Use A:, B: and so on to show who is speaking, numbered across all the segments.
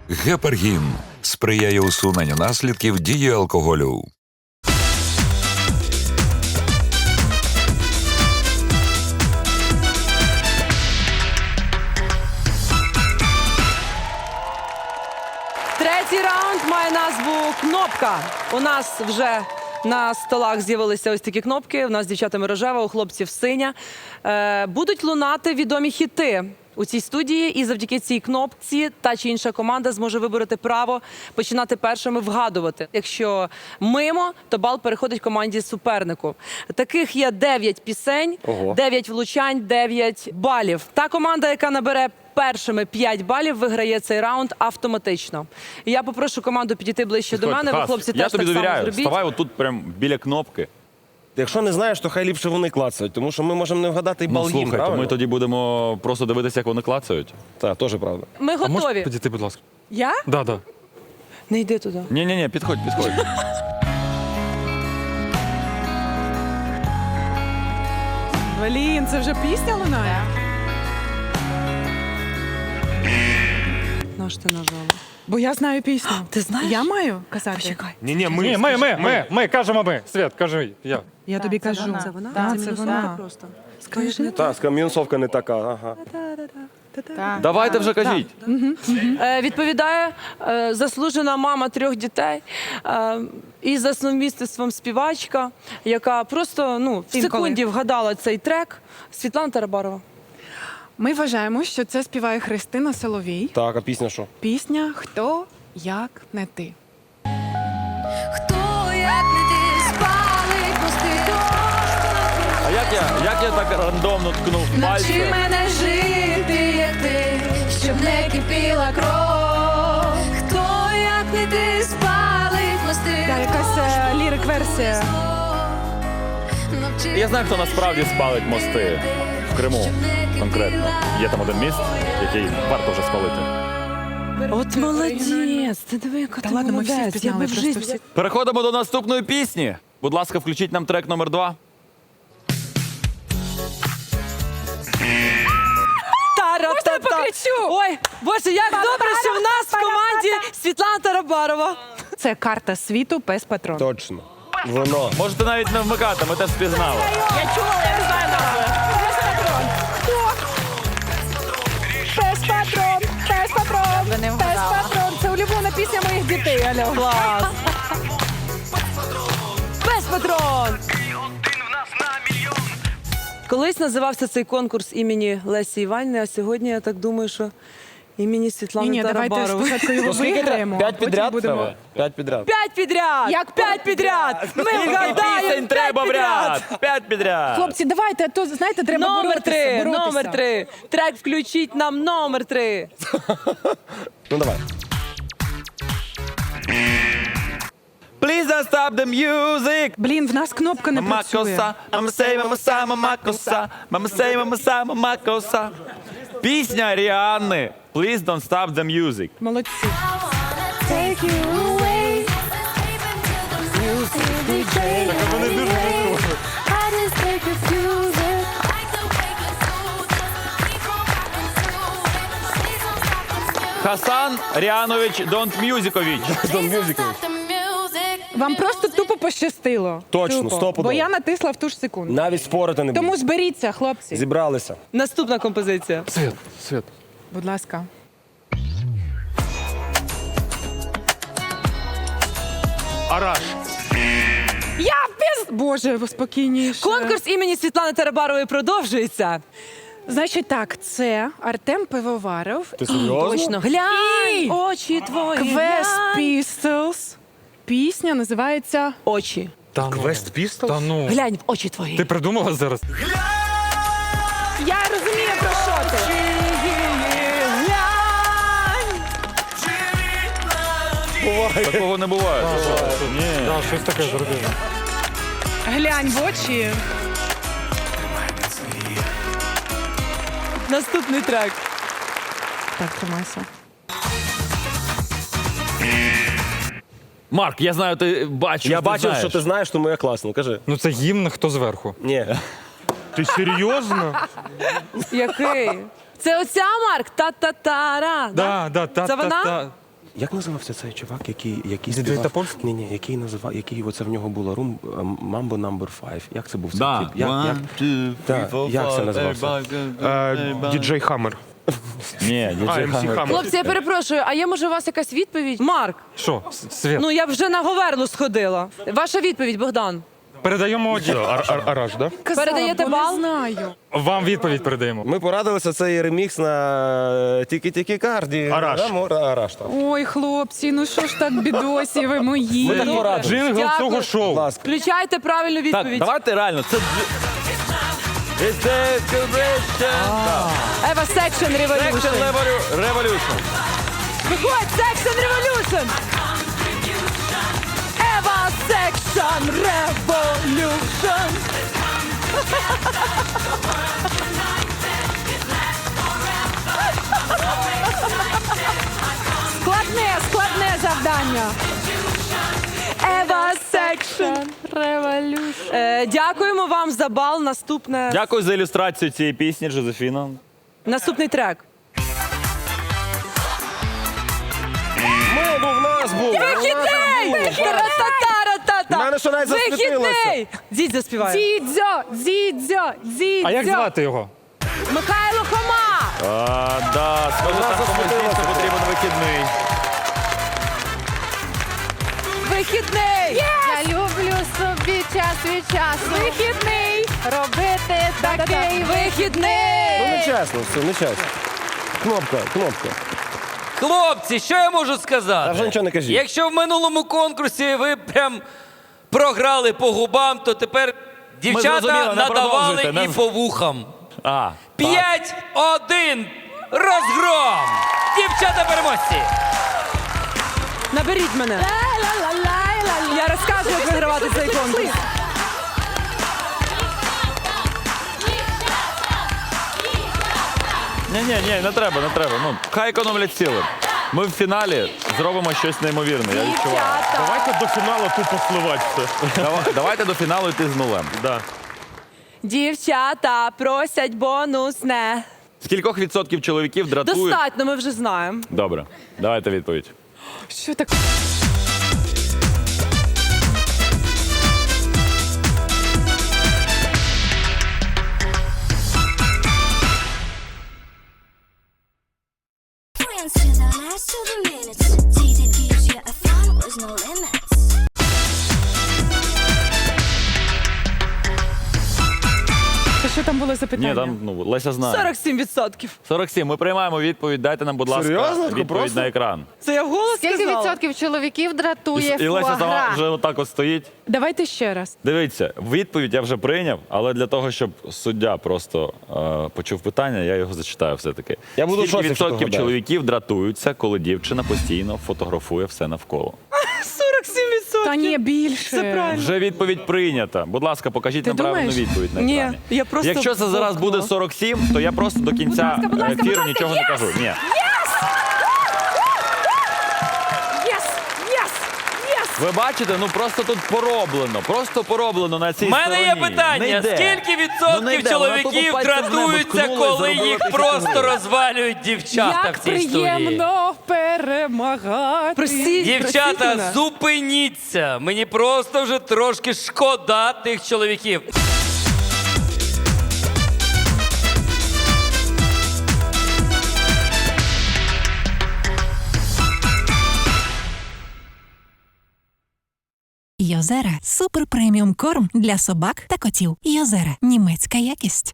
A: Гепаргін сприяє усуненню наслідків дії алкоголю.
B: Третій раунд має назву «Кнопка». У нас вже на столах з'явилися ось такі кнопки. У нас з дівчатами рожева, у хлопців синя. Будуть лунати відомі хіти у цій студії, і завдяки цій кнопці та чи інша команда зможе вибороти право починати першими вгадувати. Якщо мимо, то бал переходить команді супернику. Таких є 9 пісень, 9 влучань, 9 балів. Та команда, яка набере першими 5 балів, виграє цей раунд автоматично. І я попрошу команду підійти ближче до мене. Ви, хлопці,
C: я
B: теж
C: тобі
B: так само
C: довіряю.
B: зробіть.
C: Вставай отут прям біля кнопки.
D: Якщо не знаєш, то хай ліпше вони клацають, тому що ми можемо не вгадати і
C: Ну,
D: бал їм,
C: слухай, то
D: правильно?
C: ми тоді будемо просто дивитися, як вони клацають.
D: Так, теж правда.
B: Ми
E: А можеш
B: готові.
E: підійти, будь ласка?
B: Я?
E: Да, да.
B: Не йди туди.
C: Ні, підходь.
F: Блін, це вже пісня лунає?
B: Наш ти нажала.
F: Бо я знаю пісню.
B: Ти знаєш?
F: Я маю казати?
B: Почекай.
E: Ні, ми кажемо ми. Свят, кажи, я.
F: Я тобі кажу.
B: Це вона?
F: Так,
B: це
F: це
B: мінусовка
F: вона.
B: просто. Скажи, не
D: Так, мінусовка не така, ага.
C: Давайте вже кажіть.
B: Відповідає заслужена мама 3 дітей і за сумісництвом співачка, яка просто в секунді вгадала цей трек. Світлана Тарабарова.
F: Ми вважаємо, що це співає Христина Соловій.
D: Так, а пісня що?
F: Пісня «Хто, як не ти».
G: Хто, як не ти, спалить мости.
C: А як я так рандомно ткнув
G: Навчи
C: пальцем?
G: мене жити, як ти, щоб не кипіла кров. Хто, як не ти, спалить мости.
F: Та якась лірик-версія.
C: Я знаю, хто насправді спалить мости. В Криму конкретно. Є там один міст, який варто вже спалити.
B: От молодець, ти диви, яка ти
F: ладно, ми всі
B: молодець. Я
F: впізнали,
B: би в
F: просто
B: житті-
F: всі.
C: Переходимо до наступної пісні. Будь ласка, включіть нам трек номер 2.
B: Можна я
F: покричу?
B: Ой, Боже, як добре, що в нас в команді Світлана Тарабарова.
F: Це карта світу «Пес Патрон».
D: Точно. Воно.
C: Можете навіть не вмикати, ми теж впізнали.
F: Я чула, я не знаю назви. Пес Патрон. Хто? Пес Патрон. Пес Патрон. Пес Патрон. Це улюблена пісня моїх дітей. Алло.
B: Клас. Пес Патрон! Колись називався цей конкурс імені Лесі Іванівни, а сьогодні, я так думаю, що імені Світлани
F: Ні, давайте
B: Тарабарової.
F: спочатку його виграємо.
D: 5
F: а потім
D: підряд
F: будемо-
D: треба? 5 підряд.
B: 5 підряд!
F: Як
B: 5 підряд! Ми вгадаємо
C: Пісень
B: 5
C: треба в
B: підряд!
C: ряд! 5 підряд!
F: Хлопці, давайте, а то, знаєте, треба
B: Номер 3,
F: боротися.
B: номер 3. Трек включіть нам номер 3.
D: Ну давай.
C: Please don't stop the music!
F: Блін, в нас кнопка не працює.
C: Мамакоса, мамасей, мамаса, мамакоса, мамасей, мамаса, мамакоса. Пісня Ріанни. Please don't stop the music.
F: Молодці.
G: Take you away. I just take refusing.
C: Хасан Ріанович Донт-Мюзикович.
F: Вам просто тупо пощастило.
D: Точно,
F: Тупо.
D: стопудово.
F: Бо я натисла в ту ж секунду.
D: Навіть спорити не
F: Тому
D: буду.
F: зберіться, хлопці.
D: Зібралися.
B: Наступна композиція.
E: Свят.
F: Будь ласка.
E: Араш.
F: Я Боже, спокійніше.
B: Конкурс імені Світлани Тарабарової продовжується.
F: Значить так, це Артем Пивоваров,
D: Ти серйозно?
B: Точно. Глянь,
F: І
B: очі твої,
F: Quest
B: глянь.
F: Pistols. Пісня називається
B: Очі.
E: Та ну.
D: Quest Pistols?
E: Та ну.
B: Глянь в очі твої.
E: Ти придумала зараз?
F: Я розумію, про що ти.
C: Такого не буває. Ні.
E: Так, щось таке зробив.
F: Глянь в очі.
B: Наступний трек.
F: Так, тримайся.
C: Марк, я знаю, ти бачив.
D: Я
C: ти
D: бачив,
C: знаєш.
D: що ти знаєш, тому я класно. Кажи.
E: Ну це гімн, хто зверху.
D: Ні.
E: Ти серйозно?
B: Який? Це оця, Марк? Та-та-тара.
E: Да,
B: Це вона?
D: Як називався цей чувак, який
E: Діджей
D: співав?
E: Топольський?
D: Ні, який називав, який оце в нього було рум Mambo No. 5. Як це був цей
C: Да.
D: кліп? Як це називався?
E: Діджей Хаммер.
C: Ні, діджей
E: MC
C: Хаммер.
E: Хаммер.
B: Хлопці, я перепрошую, а є може у вас якась відповідь? Марк,
E: Що, Світ?
B: ну я вже на Говерлу сходила. Ваша відповідь, Богдан.
E: Передаємо
D: Араш, да?
B: Передаєте бал?
E: вам відповідь передаємо.
D: Ми порадилися, це є ремікс на Тікі-Тікі Карді.
E: Араш.
D: Араш, так.
F: Ой, хлопці, ну що ж так, бідосі ви мої.
D: Ми так порадилися.
E: Джингл
B: Дякую.
E: цього
D: Будь
E: шоу.
D: ласка.
B: Включайте правильну
C: Так,
B: відповідь.
C: давайте реально, це... It's a celebration.
B: Ева Section Revolution.
C: Section Revolution.
B: Виходь, Section Revolution! Ева Section Revolution!
F: Складне завдання.
B: Ева Section
F: Revolution.
B: Дякуємо вам за бал.
C: Дякую за ілюстрацію цієї пісні, Жозефіна.
B: Наступний трек.
D: В нас був.
B: Вихідний! Та-ра-та-та-ра-та-та!
D: В мене що навіть засвітилося.
B: Вихідний! Дідь заспіває.
F: Дзідзьо.
E: А як звати його?
B: Михайло Хома!
C: Да, скажу,
D: Вона
C: там комусь
D: засвітилася.
C: дійсно потрібен вихідний.
B: Вихідний!
F: Я люблю собі час від часу. Вихідний. Робити такий
D: Ну,
B: Вихідний!
D: нечесно, все, нечесно. Кнопка.
H: Хлопці, що я можу
D: Та
H: сказати?
D: вже нічого не кажіть.
H: Якщо в минулому конкурсі ви прям програли по губам, то тепер дівчата
C: зрозуміли, не
H: надавали
C: продовжуйте,
H: і по вухам.
C: 5-1.
H: 5-1. Розгром! Дівчата переможці!
B: Наберіть мене. Я розкажу, як вигравати цей конкурс.
C: Ні, не треба. Ну, хай економлять сили. Ми в фіналі зробимо щось неймовірне, я відчуваю.
E: Давайте до фіналу тупо сливати все.
C: Давайте до фіналу йти з нулем.
B: Дівчата просять бонусне.
C: З кількох відсотків чоловіків дратують?
B: Достатньо, ми вже знаємо.
C: Добре, давайте відповідь.
F: Що так?
I: Friends to the last of the minutes. Data gives you a fun with no limits.
F: Що там було запитання?
C: Ні, там Леся знає.
B: 47%.
C: 47. Ми приймаємо відповідь. Дайте нам, будь ласка,
D: Серйозно?
C: відповідь
D: Просто?
C: на екран.
B: Це я вголос
F: Скільки
B: сказала?
F: відсотків чоловіків дратує
C: І Леся сама
F: фуагра?
C: вже отак от стоїть.
F: Давайте ще раз.
C: Дивіться, відповідь я вже прийняв, але для того, щоб суддя просто почув питання, я його зачитаю все-таки.
D: Я буду в
C: Скільки
D: шоці, якщо ти
C: відсотків
D: вгадаєш.
C: чоловіків дратуються, коли дівчина постійно фотографує все навколо?
B: 47%.
F: Та ні, більше.
B: Це правильно.
C: Вже відповідь прийнята. Будь ласка, покажіть
F: Ти
C: нам правильну
F: думаєш?
C: відповідь на
B: Ні,
C: екрані.
B: я просто
C: Якщо це зараз
B: бовкнула.
C: буде 47, то я просто до кінця ефіру нічого не кажу. Ні. Ви бачите, ну просто тут пороблено. Просто пороблено на цій
H: У мене
C: стороні.
H: є
C: Не
H: питання:
C: йде.
H: скільки
C: Ну, не
H: відсотків
C: йде. Вона
H: чоловіків
C: тупо пальцем в небо
H: дратуються,
C: ткнула і
H: коли
C: заробила
H: їх
C: 1000
H: просто
C: гривень?
H: розвалюють дівчата
F: Як
H: в цій історії?
F: приємно перемагати.
B: Простіть
H: Дівчата,
B: мене.
H: зупиніться! Мені просто вже трошки шкода тих чоловіків.
J: Йозера – супер преміум корм для собак та котів. Йозера – німецька якість.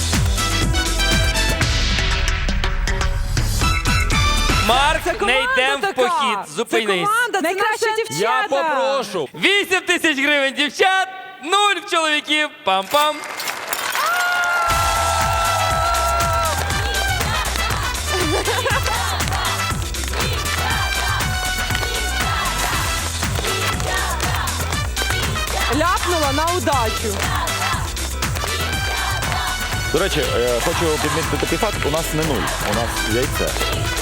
H: Марк,
B: Це
H: не
B: команда
H: йдемо в
B: така.
H: похід.
B: Це
H: Зупинись.
B: команда, це
F: Найкраща
B: наша
F: дівчата.
C: Я попрошу.
H: 8 тисяч гривень дівчат, 0 в чоловіків. Пам-пам.
B: ляпнула на удачу.
C: До речі, хочу підмітити такий факт. У нас не 0, у нас яйце.